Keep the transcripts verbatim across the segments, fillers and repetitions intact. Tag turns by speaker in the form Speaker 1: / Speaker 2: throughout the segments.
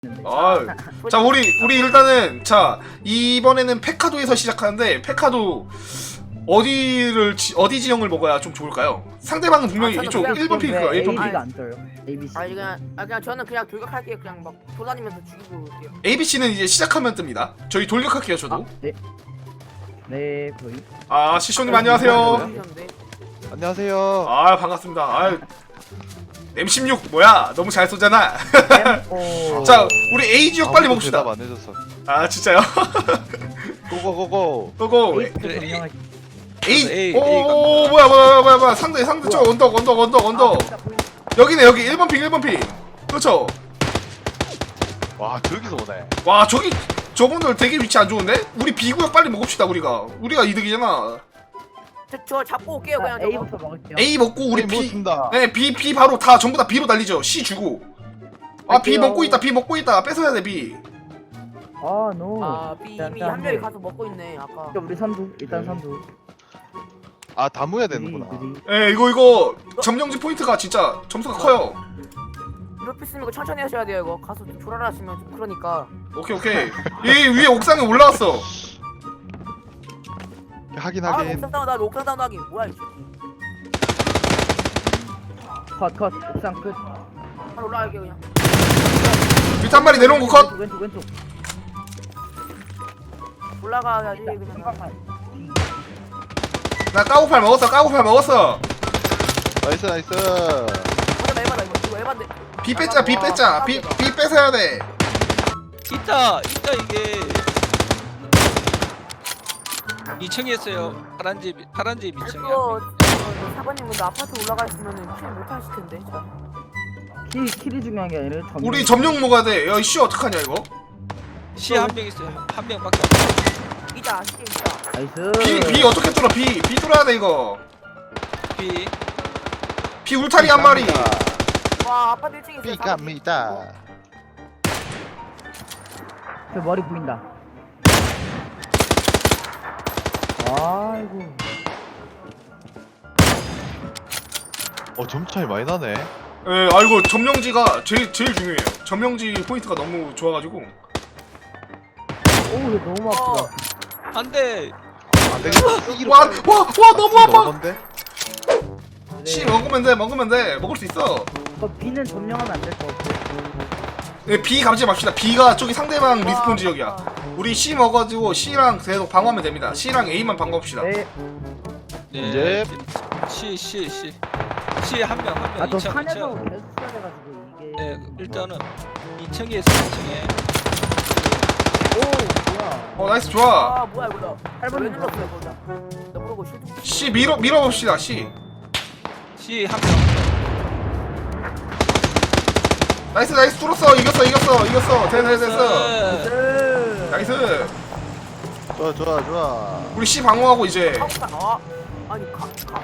Speaker 1: 아, 자 우리 우리 일단은 자 이번에는 페카도에서 시작하는데 페카도 어디를 지, 어디 지형을 먹어야 좀 좋을까요? 상대방은 분명히
Speaker 2: 아,
Speaker 1: 이쪽
Speaker 2: 그냥
Speaker 1: 일 번 핑크가 일 번 핑크.
Speaker 3: A가 안 떠요. A B C.
Speaker 2: 아 그냥 아 그냥 저는 그냥 돌격할게요. 그냥 막 돌아다니면서 죽이고 올게요.
Speaker 1: A B C는 이제 시작하면 뜹니다. 저희 돌격할게요 저도.
Speaker 3: 아, 네. 네, 거의.
Speaker 1: 아 시쇼님 안녕하세요.
Speaker 2: 죽이셨는데.
Speaker 4: 안녕하세요.
Speaker 1: 아 반갑습니다. 아 엠 십육 뭐야? 너무 잘 쏘잖아.
Speaker 3: 오.
Speaker 1: 자 우리 A 지역 빨리
Speaker 4: 아무도
Speaker 1: 먹읍시다.
Speaker 4: 대답 안 해줬어.
Speaker 1: 아 진짜요?
Speaker 4: 고고고고.
Speaker 1: 고고.
Speaker 3: A부터 점령할.
Speaker 1: A.
Speaker 4: A,
Speaker 1: 오
Speaker 4: A
Speaker 1: 오, 뭐야 뭐야 뭐야 뭐야 상대 상대 저 언덕 언덕 언덕 언덕. 여기네 여기 일 번 핑 일 번 핑. 그렇죠.
Speaker 4: 와 저기서 오네.
Speaker 1: 와 저기 저분들 되게 위치 안 좋은데? 우리 B구역 빨리 먹읍시다 우리가. 우리가 이득이잖아.
Speaker 2: 저, 저 잡고 올게요.
Speaker 3: 자,
Speaker 2: 그냥 저거.
Speaker 3: A부터 먹을게요.
Speaker 1: A 먹고 우리
Speaker 4: A
Speaker 1: B.
Speaker 4: 먹었습니다.
Speaker 1: 네 B B 바로 다 전부 다 B로 달리죠. C 주고. 아 B
Speaker 3: 갈게요.
Speaker 1: 먹고 있다 B 먹고 있다 뺏어야 돼 B.
Speaker 3: 아, 노.
Speaker 2: 아 B
Speaker 3: 자,
Speaker 2: 이미
Speaker 3: 자,
Speaker 2: 한 명이
Speaker 3: 네.
Speaker 2: 가서 먹고 있네. 아까.
Speaker 3: 자, 우리 선두. 일단
Speaker 4: 네.
Speaker 3: 선두.
Speaker 4: 아 담으야
Speaker 3: 느리,
Speaker 4: 되는구나.
Speaker 3: 느리.
Speaker 1: 예 이거 이거 점령지 포인트가 진짜 점수가 커요.
Speaker 2: 이렇게 쓰면 이거 천천히 하셔야 돼요. 이거 가서 조라라 하시면 좀 그러니까.
Speaker 1: 오케이 오케이. 이 위에 옥상에 올라왔어.
Speaker 4: 하긴
Speaker 2: 아
Speaker 4: 하긴.
Speaker 2: 옥상 다운 하기 옥상 다운 하기 뭐야 이거.
Speaker 3: 컷, 컷. 옥상 끝.
Speaker 2: 바로 올라갈게요 그냥.
Speaker 1: 밑에 한 마리 내려온 거 컷.
Speaker 3: 왼쪽, 왼쪽, 왼쪽.
Speaker 2: 올라가야지
Speaker 3: 한
Speaker 2: 그냥.
Speaker 3: 방만.
Speaker 1: 나 까고팔 먹었어 까고팔 먹었어.
Speaker 4: 나이스 나이스.
Speaker 2: 맞아 에바다 이거. 이거 에바인데.
Speaker 1: B 뺐자 B 뺐자 B B 뺏어야 돼.
Speaker 5: 있다 있다 이게 이 층에 있어요. 파란 집 파란 집 이 층에.
Speaker 2: 이거 사관님 근데 아파트 올라가 있으면은 킬 못하실 텐데. 자.
Speaker 3: 킬, 킬이 중요한 게 아니라 점령.
Speaker 1: 우리 점령 먹어야 돼. 야 씨 어떡하냐 이거?
Speaker 5: 시 한 명 있어요. 한 명밖에 없어.
Speaker 2: 이자 시계 이자.
Speaker 3: 나이스.
Speaker 1: B B 어떻게 뚫어 B B 뚫어야 돼 이거.
Speaker 5: B
Speaker 1: B 울타리 한 마리.
Speaker 2: 와 아파트 일 층에 있어요.
Speaker 4: B 갑니다.
Speaker 3: 저 머리 보인다. 아이고.
Speaker 4: 어 점수 차이 많이 나네.
Speaker 1: 예, 아이고 점령지가 제일 제일 중요해요. 점령지 포인트가 너무 좋아가지고.
Speaker 3: 오, 이거 너무
Speaker 2: 어.
Speaker 3: 아프다.
Speaker 5: 안돼.
Speaker 4: 안 되겠다.
Speaker 1: 와, 와, 와 너무 아파.
Speaker 4: 먹었는데?
Speaker 1: C 먹으면 돼, 먹으면 돼, 먹을 수 있어.
Speaker 3: 어, B는 점령하면 안 될 것 같아.
Speaker 1: 예, B 감지 맙시다. B가 저기 상대방 리스폰 지역이야. 우리 C 먹어가지고 C랑 계속 방어하면 됩니다. C랑 A만 방어합시다.
Speaker 3: 네.
Speaker 5: 네. C C C C 한 명 한
Speaker 3: 아,
Speaker 5: 명.
Speaker 3: 저
Speaker 5: 이 층 이
Speaker 3: 산에서
Speaker 5: 층.
Speaker 3: 계속 써야 돼가지고 이게.
Speaker 5: 네 일단은 이 층에 있어 이 층에.
Speaker 3: 오, 뭐야.
Speaker 1: 어, 나이스 좋아.
Speaker 2: 아 뭐야 이거.
Speaker 3: 팔 번이
Speaker 2: 왜 눌렀어요 거기다. 나 모르고 실드.
Speaker 1: C 밀어 밀어봅시다. C.
Speaker 5: C 한 명.
Speaker 1: 나이스, 나이스 뚫었어. 이겼어, 이겼어, 이겼어. 됐어, 됐어, 됐어.
Speaker 5: 네.
Speaker 1: 나이스.
Speaker 4: 좋아 좋아 좋아.
Speaker 1: 우리 C 방어하고 이제.
Speaker 2: 카우사 아 아니 카 카.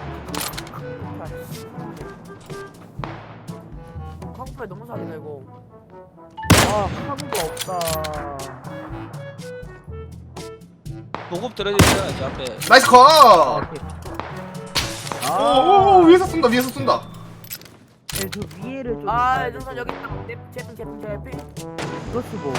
Speaker 2: 카우팔 너무 사기네 이거.
Speaker 3: 아, 카드가 없다.
Speaker 5: 보급 떨어져 있잖아 저 앞에.
Speaker 1: 나이스
Speaker 3: 아,
Speaker 1: 컷.
Speaker 3: 오케이.
Speaker 1: 오,
Speaker 3: 아,
Speaker 1: 오, 오, 위에서 쏜다, 위에서 쏜다.
Speaker 3: 네, 저 위에를 좀.
Speaker 2: 아 눈선 여기 있다. 내 제품 제품 제품.
Speaker 3: 크로스 뭐.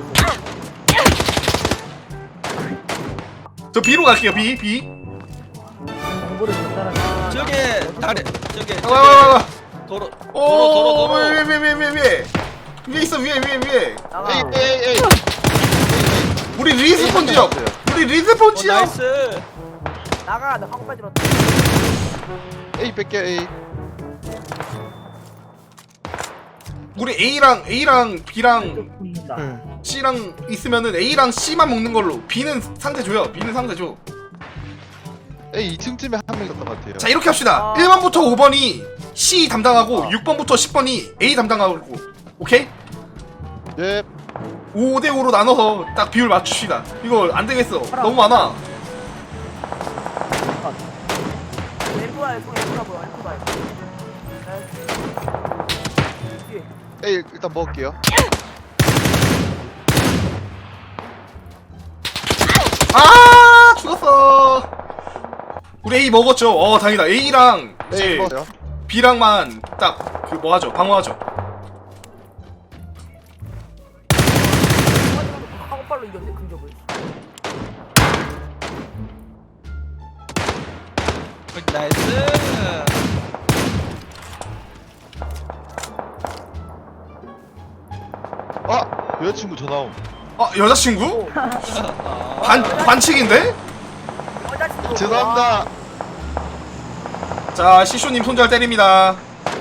Speaker 1: 저 B로 갈게요. B, B.
Speaker 3: 정보를 전달하는.
Speaker 5: 저게 다리 저게
Speaker 1: 와, 와, 와, 와.
Speaker 5: 도로 도로
Speaker 1: 오,
Speaker 5: 도로 도로.
Speaker 1: 위에, 위에, 위에, 위에, 위에. 위에 있어, 위에, 위에, 위에.
Speaker 2: 나가.
Speaker 4: 에이 에이 에이.
Speaker 1: 우리 리스폰 지역. 우리 리스폰
Speaker 5: 어,
Speaker 1: 지역.
Speaker 5: 나이스.
Speaker 2: 나가 나 카우팔 들었다.
Speaker 4: A 뺄게 A.
Speaker 1: 우리 A랑 A랑 B랑
Speaker 3: 보인다.
Speaker 4: 응.
Speaker 1: C랑 있으면은 A랑 C만 먹는 걸로. B는 상대 줘요. B는 상대 줘.
Speaker 4: A 이 층쯤에 한 명 있었던 것 같아요.
Speaker 1: 자 이렇게 합시다.
Speaker 2: 아.
Speaker 1: 일 번부터 오 번이 C 담당하고
Speaker 4: 아.
Speaker 1: 육 번부터 십 번이 A 담당하고. 오케이?
Speaker 4: 예.
Speaker 1: 오 대 오로 나눠서 딱 비율 맞춥시다. 이거 안 되겠어. 너무 많아.
Speaker 2: 엠프아이 송 엠프아 뭐야 엠프아이.
Speaker 4: A 일단 먹을게요.
Speaker 1: 아 죽었어. 우리 A 먹었죠. 어 다행이다. A랑
Speaker 4: A
Speaker 1: 이제
Speaker 4: 먹었어요.
Speaker 1: B랑만 딱 그 뭐하죠 방어하죠.
Speaker 2: 발로 이겼네 근접을.
Speaker 5: 나이스.
Speaker 4: 아 여자친구 전화 옴.
Speaker 1: 아 여자친구?
Speaker 5: 아,
Speaker 1: 반 반칙인데?
Speaker 2: 여자친구.
Speaker 4: 죄송합니다.
Speaker 1: 자 시쇼님 손절 때립니다.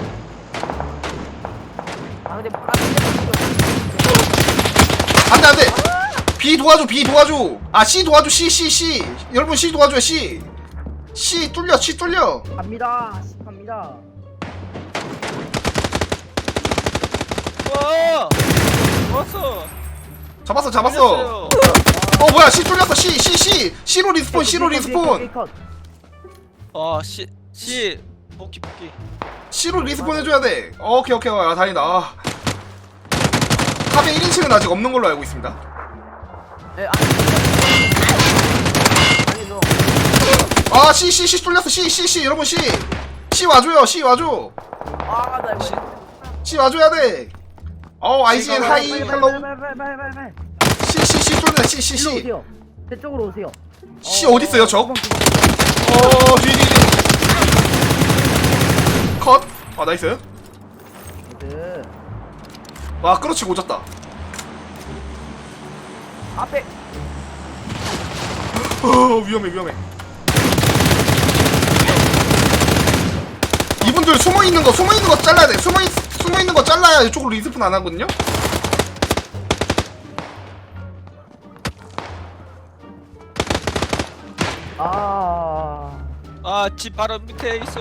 Speaker 2: 아 근데 아,
Speaker 1: 안돼 안돼. B 도와줘 B 도와줘. 아 C 도와줘 C C C. 여러분 C 도와줘요 C. C 뚫려 C 뚫려.
Speaker 3: 갑니다. 씨, 갑니다.
Speaker 5: 와. 왔어.
Speaker 1: 잡았어 잡았어. 어 뭐야 C 뚫렸어 C C C C로 리스폰 C로 리스폰
Speaker 5: 아, 씨, 씨, 복귀, 복귀.
Speaker 1: C로 리스폰 해줘야 돼. 오케이 오케이 아 다행이다. 아. 탑에 일 인칭은 아직 없는 걸로 알고 있습니다.
Speaker 2: 예, 아니 아니 너.
Speaker 1: 아 C C C 뚫렸어 C C C 여러분 C C 와줘요 C 와줘
Speaker 2: 아나 이거.
Speaker 1: C 와줘야 돼. 어 아이지엔 하이 헬로
Speaker 3: 빨빨빨빨빨빨.
Speaker 1: C C C 뚫린다 C C
Speaker 3: 일로
Speaker 1: C
Speaker 3: 오세요. 제 쪽으로 오세요.
Speaker 1: C 어디 있어요 적? 어 뒤 뒤 뒤 컷. 아 나이스.
Speaker 3: 그
Speaker 1: 와 끌어치고 오졌다.
Speaker 2: 앞에
Speaker 1: 어 위험해 위험해. 이분들 숨어 있는 거 숨어 있는 거 잘라야 돼. 숨어 있 숨어 있는 거 잘라야 이쪽으로 리스폰 안 하거든요.
Speaker 3: 아.
Speaker 5: 아, 집 바로 밑에 있어요.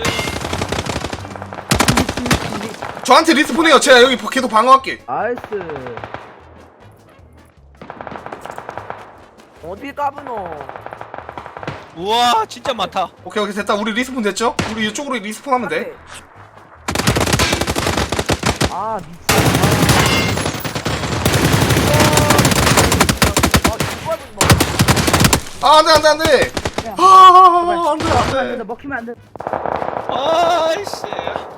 Speaker 1: 저한테 리스폰해요. 제가 여기 계속 방어할게.
Speaker 3: 나이스.
Speaker 2: 어디 까부노?
Speaker 5: 우와, 진짜 많다.
Speaker 1: 오케이 오케이 됐다. 우리 리스폰 됐죠? 우리 이쪽으로 리스폰 하면 돼.
Speaker 3: 아 미친.
Speaker 2: 아 이거 뭐?
Speaker 1: 아 안돼 안돼 안돼.
Speaker 3: 야.
Speaker 1: 아 안돼
Speaker 3: 먹히면 안 된다.
Speaker 1: 안돼.
Speaker 3: 먹히면 안 돼.
Speaker 5: 아이씨.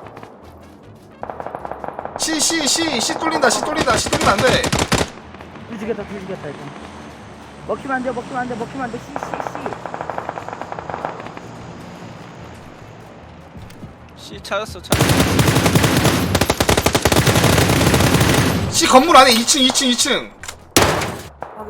Speaker 1: C C C C 뚫린다 C 뚫린다 C 뚫리면 안돼.
Speaker 3: 뒤지겠다 뒤지겠다 일단. 먹히면 안 돼. 먹히면 안 돼. 먹히면 안 돼. 씨 씨 씨.
Speaker 5: 씨, 찾았어, 찾았어.
Speaker 1: C 건물 안에 이 층 이 층 이 층.
Speaker 2: 확인.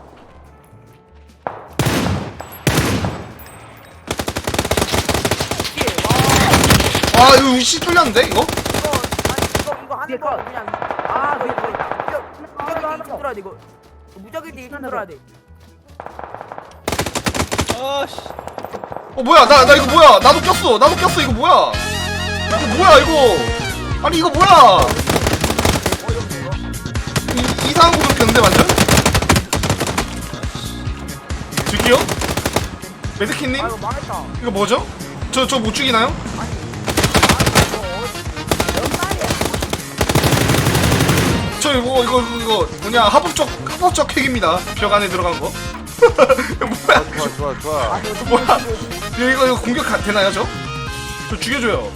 Speaker 2: 예, 와
Speaker 1: 아 이거 C 뚫렸는데 이거?
Speaker 2: 이거 아니 이거 이거 하는 거
Speaker 3: 컷.
Speaker 2: 그냥
Speaker 3: 아,
Speaker 2: 이거
Speaker 3: 네,
Speaker 2: 이거
Speaker 3: 네.
Speaker 2: 무적일 때 힘들어야 돼 이거. 무적일 때 힘들어야 돼.
Speaker 5: 아씨.
Speaker 1: 어 뭐야 나 나 이거 뭐야 나도 꼈어 나도 꼈어 이거 뭐야 이거 뭐야 이거 아니 이거 뭐야 이, 이상한 곳으로 꼈는데 완전? 저기요? 메드키님?
Speaker 2: 아 이거 망했다.
Speaker 1: 이거 뭐죠? 저 저 못 죽이나요?
Speaker 2: 아니 이거 몇 살이야?
Speaker 1: 저 이거 이거 이거 뭐냐 합법적 합법적 핵입니다 벽 안에 들어간 거 이거 뭐야
Speaker 4: 좋아 좋아 좋아.
Speaker 1: 뭐야 이거 이거 이거 공격 가- 되나요 저? 저 죽여줘요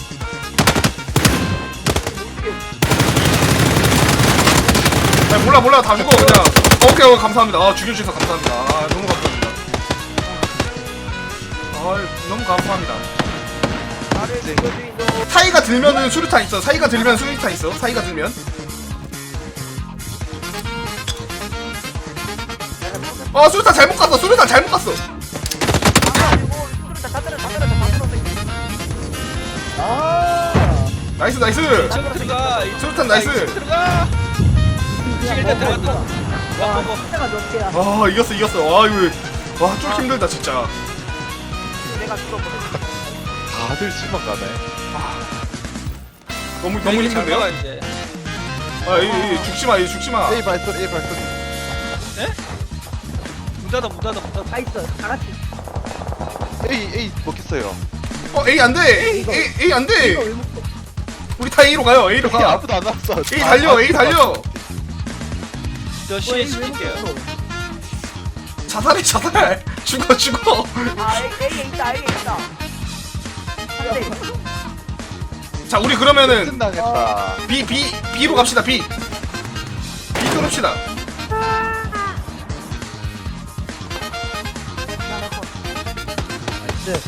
Speaker 1: 아 몰라 몰라 다 죽어 그냥 오케이 오케이 감사합니다 아 죽여주셔서 감사합니다 아 너무 감사합니다 아 너무 감사합니다
Speaker 2: 나를 죽여주이소.
Speaker 1: 사이가 들면은 수류탄 있어 사이가 들면 수류탄 있어 사이가 들면 아 수류탄 잘못 갔어 수류탄 잘못 갔어
Speaker 2: 아 이거 수술을 다 때려 다 때려 다 때려.
Speaker 3: 아.
Speaker 1: 나이스 나이스
Speaker 5: 이층 들어가. 이-
Speaker 1: 수류탄 나이스
Speaker 5: 이층 들어가.
Speaker 3: 그냥
Speaker 5: 일단
Speaker 3: 먹어,
Speaker 5: 들어갔다.
Speaker 3: 먹어. 와
Speaker 5: 먹어.
Speaker 3: 숫자가 몇 개야?
Speaker 1: 아 이겼어 이겼어 와 이거 와좀 힘들다 진짜
Speaker 2: 내가 죽었거든.
Speaker 4: 다들 실망 가네.
Speaker 1: 너무 너무
Speaker 5: 여기 잘
Speaker 1: 힘든데요?
Speaker 5: 먹어, 이제.
Speaker 1: 아, 이, 이, 죽지마, 이 죽지마.
Speaker 4: A 발소리 A 발소리.
Speaker 5: 문 닫아, 문 닫아, 문 닫아.
Speaker 3: 다 있어. 다 같이.
Speaker 4: A A 먹혔어요.
Speaker 1: 어, A 안 돼. A,
Speaker 3: 이거.
Speaker 1: A, A 안
Speaker 3: 이거
Speaker 1: 돼.
Speaker 3: 왜 먹고?
Speaker 1: 우리 다 A로 가요. A로
Speaker 4: A
Speaker 1: 가.
Speaker 4: 아무도 안 왔어.
Speaker 1: A 달려, A 달려.
Speaker 5: 저
Speaker 3: 왜,
Speaker 5: 씨
Speaker 3: 왜
Speaker 5: 시킬게요.
Speaker 3: 먹었어?
Speaker 1: 자살해, 자살. 죽어, 죽어.
Speaker 2: 아 A A 있다 A 있다. 근데
Speaker 1: 자, 우리 그러면은
Speaker 4: 끝나겠다.
Speaker 1: B, B, B로 갑시다. B. B 뚫읍시다.
Speaker 3: 나이스.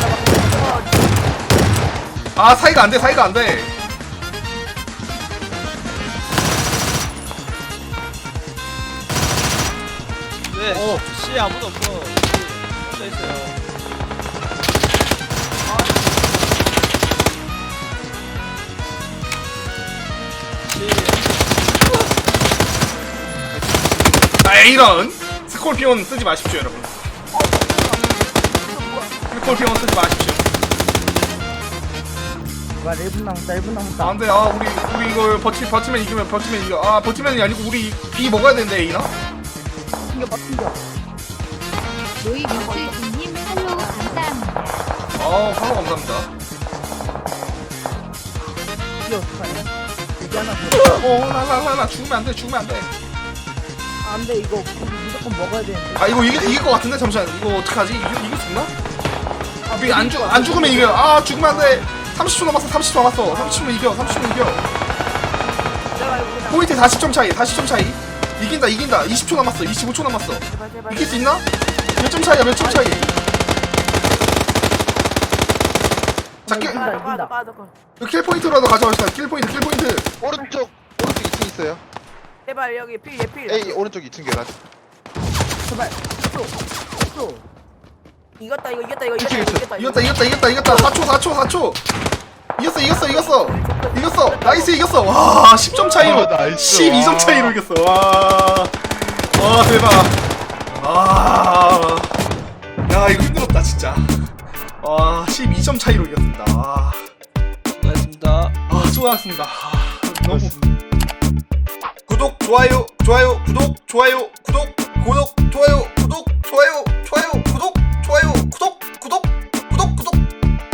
Speaker 1: 아 사이가 안돼 사이가 안돼.
Speaker 5: 네.
Speaker 3: 오.
Speaker 5: C 아무도 없어. 혼자 있어요. C.
Speaker 1: 아 이런 스콜피온 쓰지 마십시오 여러분. 스콜피온 쓰지 마십시오.
Speaker 3: 와, 일 분 남았다, 일 분 남았다.
Speaker 1: 아, 안돼. 아 우리 우리 이걸 버티 버티면 이기면 버티면 이겨. 아 버티면이 아니고 우리 B 먹어야 되는데 A나?
Speaker 3: 튕겨, 막 튕겨.
Speaker 6: 로이 뮤슬님 팔로우 감사합니다.
Speaker 1: 아 팔로 감사합니다.
Speaker 3: 이게 어떡하냐. 이게 하나 더.
Speaker 1: 어나나나나 죽으면 안돼 죽으면 안돼.
Speaker 3: 안 돼, 이거 무조건 먹어야 되는데.
Speaker 1: 아 이거 이길 이길 것 같은데 잠시만 이거 어떡하지? 이길 이길 수 있나? 아안죽안 죽으면 이겨. 아 죽으면 안돼. 삼십 초 남았어 삼십 초 남았어. 삼십 초면 이겨 삼십 초면 이겨.
Speaker 2: 내가 이거 그냥
Speaker 1: 포인트 사십 점 차이 사십 점 차이. 이긴다 이긴다. 이십 초 남았어 이십오 초 남았어.
Speaker 2: 제발 제발.
Speaker 1: 이길 수 있나? 몇 점 차이야 몇 점 차이. 자 킬,
Speaker 3: 이긴다,
Speaker 2: 빠져
Speaker 3: 이긴다.
Speaker 2: 빠져 빠져.
Speaker 1: 킬 포인트라도 가져갑시다. 킬 포인트 킬 포인트.
Speaker 4: 오른쪽 오른쪽 이 층 있어요.
Speaker 2: 제발 여기 필 예필.
Speaker 4: A 오른쪽 이 층 계단.
Speaker 3: 제발. 또, 또.
Speaker 2: 이겼다 이거 이겼다 이거
Speaker 1: 그치
Speaker 2: 이겼다
Speaker 1: 그치 이겼다 이겼다 이겼다 이겼다. 사 초 사 초 사 초. 이겼어 이겼어 이겼어 이겼어. 나이스 이겼어. 와 십 점 차이로
Speaker 4: 아, 나이스.
Speaker 1: 십이 점 차이로 이겼어. 와. 와 대박. 아. 야 이거 힘들었다 진짜. 와 십이 점 차이로 이겼습니다. 와.
Speaker 5: 수고하셨습니다.
Speaker 1: 아 수고하셨습니다. 아, 너무 구독 좋아요 좋아요 구독 좋아요 구독 구독 좋아요 구독 좋아요 좋아요 구독 좋아요 구독 구독